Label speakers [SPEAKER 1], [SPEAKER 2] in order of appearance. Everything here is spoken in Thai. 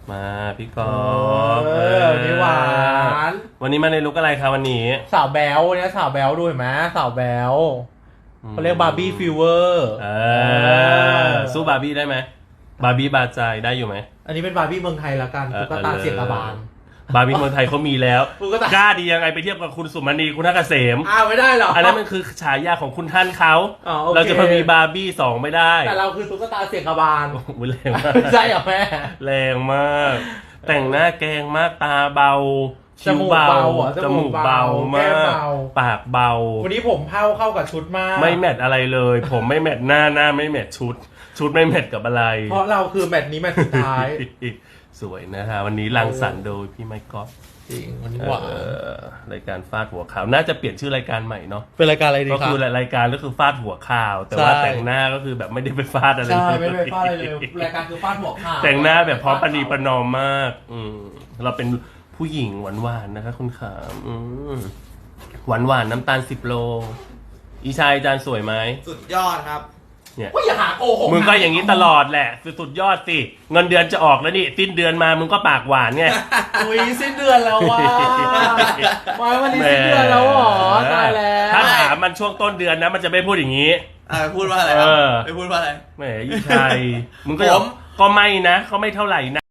[SPEAKER 1] มาพี่กอล์ฟ
[SPEAKER 2] พี่หวาน
[SPEAKER 1] วันนี้มาในลุคอะไรคะวันนี้
[SPEAKER 2] สาวแบ๊วเนี่ยสาวแบ๊วดูเห็นไหมสาวแบ๊วเขาเรียกบาร์บี้ฟีเวอร์
[SPEAKER 1] สู้บาร์บี้ได้ไหมบาร์บี้บาใจได้อยู่ไหม
[SPEAKER 2] อันนี้เป็นบาร์บี้เมืองไทยละกันตุ๊กตาเสียงกระบาล
[SPEAKER 1] บาร์บี้เมืองไทยเขามีแล้วกล้าดียังไงไปเทียบกับคุณสุมณีคุณทักเกษม
[SPEAKER 2] ไม่ได้หรอ
[SPEAKER 1] อันนั้นมันคือฉายาของคุณท่านเขาเราจะมีบาร์บี้2ไม่ได้
[SPEAKER 2] แต่เราคือตุ๊กตาเสียงกระบาล
[SPEAKER 1] แรงมาก
[SPEAKER 2] ใช่เหรอแม่
[SPEAKER 1] แรงมากแต่งหน้าแกงมากตาเบา
[SPEAKER 2] จมูกเบา
[SPEAKER 1] จมูกเบามากปากเบา
[SPEAKER 2] วันนี้ผมเข้ากับชุดมาก
[SPEAKER 1] ไม่แมทอะไรเลยผมไม่แมทหน้าไม่แมทชุดไม่แมทกับอะไร
[SPEAKER 2] เพราะเราคือแมทนี้แมทสุดท้าย
[SPEAKER 1] สวยนะฮะวันนี้รังสรรค์โดยพี่ไมค์ก๊อฟ
[SPEAKER 2] จริงวันนี้หวาน
[SPEAKER 1] รายการฟาดหัวข่าวน่าจะเปลี่ยนชื่อรายการใหม่เนาะ
[SPEAKER 2] เป็นรายการอะไรดีครับ
[SPEAKER 1] ก็คือรายการก็คือฟาดหัวข่าวแต่ว่าแต่งหน้าก็คือแบบไม่ได้ไปฟาดอะไร
[SPEAKER 2] ใช่ไม่ได้ไปฟาดอะไรเลยรายการคือฟาดหัวข่าว
[SPEAKER 1] แต่งหน้าแบบพร้อมปณีประนอมมากเราเป็นผู้หญิงหวานๆนะคะคุณขาหวานน้ำตาล10 โลอีชายจานสวยไหม
[SPEAKER 3] สุดยอดครับ
[SPEAKER 1] เนี่ย
[SPEAKER 2] อย่าหาโกหก
[SPEAKER 1] มึงก็อย่างนี้ตลอดแหละสุดยอดสิเงินเดือนจะออกแล้วนี่สิ้นเดือนมามึงก็ปากหวานไง
[SPEAKER 2] อุ้ยสิ้นเดือนแล้วว่ะมาวันนี้สิ้นเดือนแล้วหรอตายแล้ว
[SPEAKER 1] ถ้าถามมันช่วงต้นเดือนนะมันจะไม่พูดอย่างนี้
[SPEAKER 3] พูดว่าอะไรไปพูดว่าอะไร
[SPEAKER 1] แหมอีชายมึงก็ไม่นะเขาไม่เท่าไหร่นะ